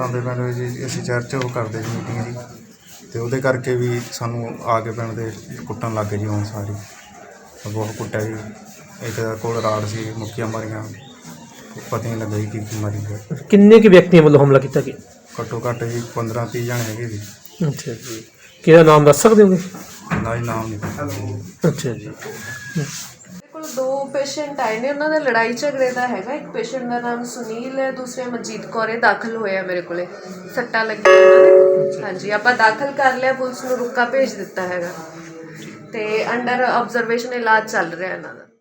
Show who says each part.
Speaker 1: ਆਉਂਦੇ ਪਿੰਡ ਜੀ ਅਸੀਂ ਚਰਚ ਉਹ ਕਰਦੇ ਜੀ ਮੀਟਿੰਗ ਜੀ, ਅਤੇ ਉਹਦੇ ਕਰਕੇ ਵੀ ਸਾਨੂੰ ਆ ਕੇ ਪਿੰਡ ਦੇ ਕੁੱਟਣ ਲੱਗ ਗਏ ਜੀ। ਹੁਣ ਸਾਰੀ ਬਹੁਤ ਕੁੱਟਿਆ ਜੀ। ਇੱਕ ਕੋਲ ਰਾੜ ਸੀ, ਮੁੱਕੀਆਂ ਮਾਰੀਆਂ, ਪਤਾ ਨਹੀਂ ਲੱਗਾ ਜੀ ਕੀ ਮਾਰੀ ਹੈ।
Speaker 2: ਕਿੰਨੇ ਕੁ ਵਿਅਕਤੀਆਂ ਵੱਲੋਂ ਹਮਲਾ ਕੀਤਾ ਗਿਆ?
Speaker 1: ਘੱਟੋ ਘੱਟ ਜੀ 15-30 ਜਣੇ ਹੈਗੇ ਜੀ।
Speaker 2: ਅੱਛਾ ਜੀ, ਕਿਹਦਾ ਨਾਮ ਦੱਸ ਸਕਦੇ ਹੋਗੇ?
Speaker 1: ਨਾ ਜੀ ਨਾਮ ਨਹੀਂ ਪਤਾ।
Speaker 2: ਅੱਛਾ ਜੀ।
Speaker 3: ਮੇਰੇ ਕੋਲ 2 ਪੇਸ਼ੈਂਟ ਆਏ ਨੇ, ਉਹਨਾਂ ਦਾ ਲੜਾਈ ਝਗੜੇ ਦਾ ਹੈਗਾ। ਇੱਕ ਪੇਸ਼ੈਂਟ ਦਾ ਨਾਮ ਸੁਨੀਲ ਹੈ, ਦੂਸਰੇ ਮਨਜੀਤ ਕੌਰ ਹੈ। ਦਾਖਲ ਹੋਇਆ ਮੇਰੇ ਕੋਲੇ, ਸੱਟਾਂ ਲੱਗੀਆਂ ਇਹਨਾਂ ਦੇ। ਹਾਂਜੀ, ਆਪਾਂ ਦਾਖਲ ਕਰ ਲਿਆ, ਪੁਲਿਸ ਨੂੰ ਰੁਕਾ ਭੇਜ ਦਿੱਤਾ ਹੈਗਾ, ਤੇ ਅੰਡਰ ਆਬਜ਼ਰਵੇਸ਼ਨ ਇਲਾਜ ਚੱਲ ਰਿਹਾ ਇਹਨਾਂ ਦਾ।